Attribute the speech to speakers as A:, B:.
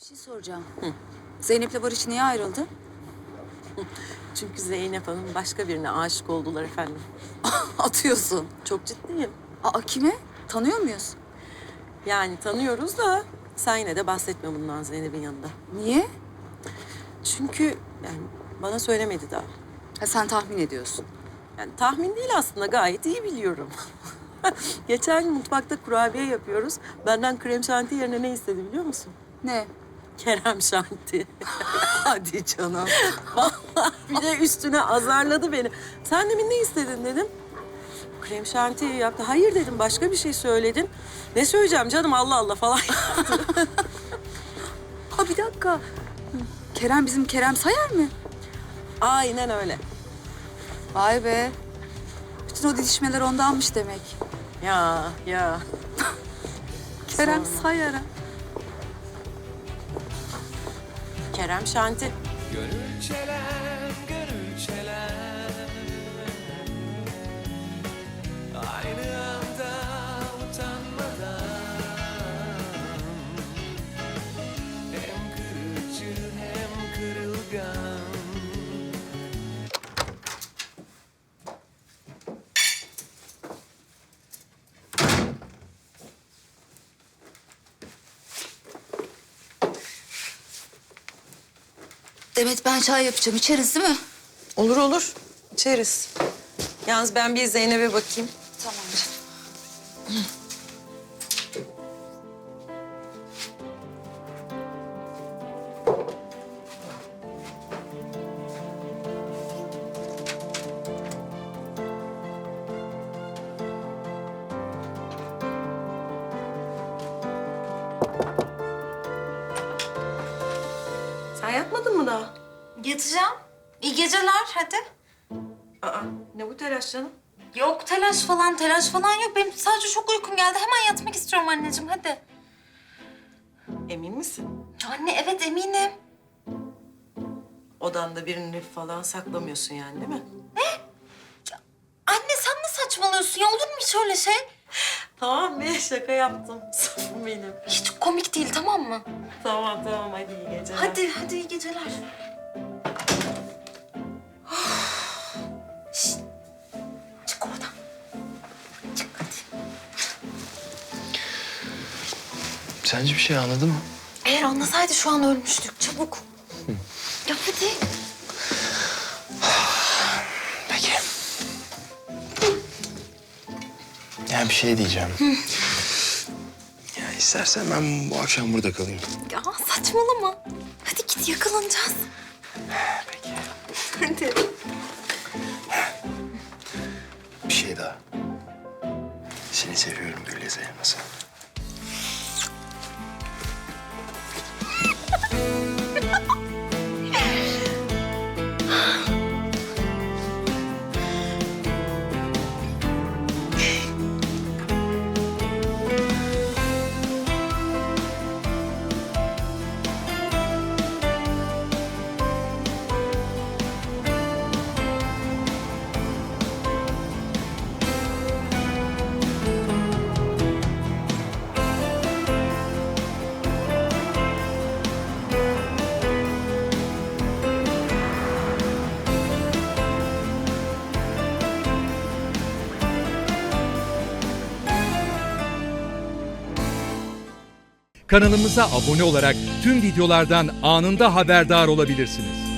A: şey soracağım. Zeynep'le Barış niye ayrıldı?
B: Çünkü Zeynep Hanım başka birine aşık oldular efendim.
A: Atıyorsun.
B: Çok ciddiyim.
A: Aa, kime? Tanıyor muyuz?
B: Yani tanıyoruz da sen yine de bahsetme bundan Zeynep'in yanında.
A: Niye?
B: Çünkü yani bana söylemedi daha.
A: Ha, sen tahmin ediyorsun.
B: Yani tahmin değil aslında, gayet iyi biliyorum. Geçen gün mutfakta kurabiye yapıyoruz. Benden krem şanti yerine ne istedi biliyor musun?
A: Ne?
B: Kerem şanti.
A: Hadi canım.
B: Bir de üstüne azarladı beni. Sen demin ne istedin dedim. Krem şanti yaptı. Hayır dedim, başka bir şey söyledin. Ne söyleyeceğim canım, Allah Allah falan.
A: Ha, bir dakika. Kerem bizim Kerem Sayar mı?
B: Aynen öyle.
A: Vay be. Bütün o didişmeler ondanmış demek.
B: Ya.
A: Kerem
B: Sonra.
A: Sayar'a.
B: Kerem şanti.
C: Gönül çelen, gönül çelen, aynı anda utanmadan, hem kırıcı hem kırılgan.
A: Demet, ben çay yapacağım. İçeriz değil mi?
B: Olur olur. İçeriz. Yalnız ben bir Zeynep'e bakayım.
A: Tamam canım.
B: Sen yatmadın mı daha?
D: Yatacağım. İyi geceler hadi.
B: Aa, ne bu telaş canım?
D: Yok telaş falan yok. Benim sadece çok uykum geldi. Hemen yatmak istiyorum anneciğim hadi.
B: Emin misin?
D: Anne evet eminim.
B: Odanda birini falan saklamıyorsun yani, değil mi?
D: Anne sen ne saçmalıyorsun ya? Olur mu hiç öyle şey?
B: Tamam be, şaka yaptım. Safım benim.
D: Hiç komik değil tamam mı?
B: Tamam hadi iyi geceler.
D: Hadi iyi geceler. Şişt. Çık oradan. Çık hadi.
C: Sence bir şey anladın mı?
D: Eğer anlasaydı şu an ölmüştük. Çabuk. Ya hadi.
C: Peki. Ya bir şey diyeceğim. Ya istersen ben bu akşam burada kalayım.
D: Ya saçmalama. Hadi git yakalanacağız.
C: Peki.
D: Hadi.
C: Bir şey daha. Seni seviyorum Gülizar Elmas'a.
E: Kanalımıza abone olarak tüm videolardan anında haberdar olabilirsiniz.